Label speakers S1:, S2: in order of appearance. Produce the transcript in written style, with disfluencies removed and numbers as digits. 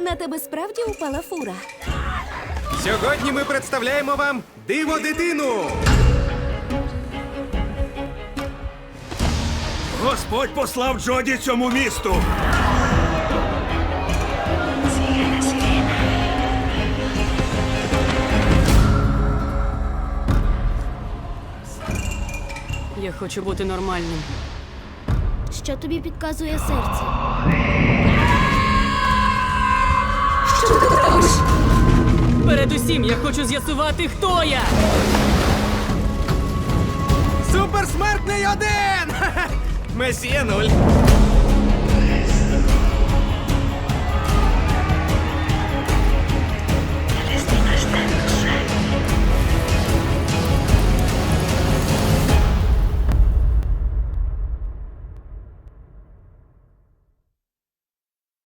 S1: На тебе справді упала фура?
S2: Сьогодні ми представляємо вам диво дитину.
S3: Господь послав Джоді цьому місту.
S4: Я хочу бути нормальним.
S5: Що тобі підказує серце?
S4: Передусім, я хочу з'ясувати, хто я!
S2: Суперсмертний один! Месія 0.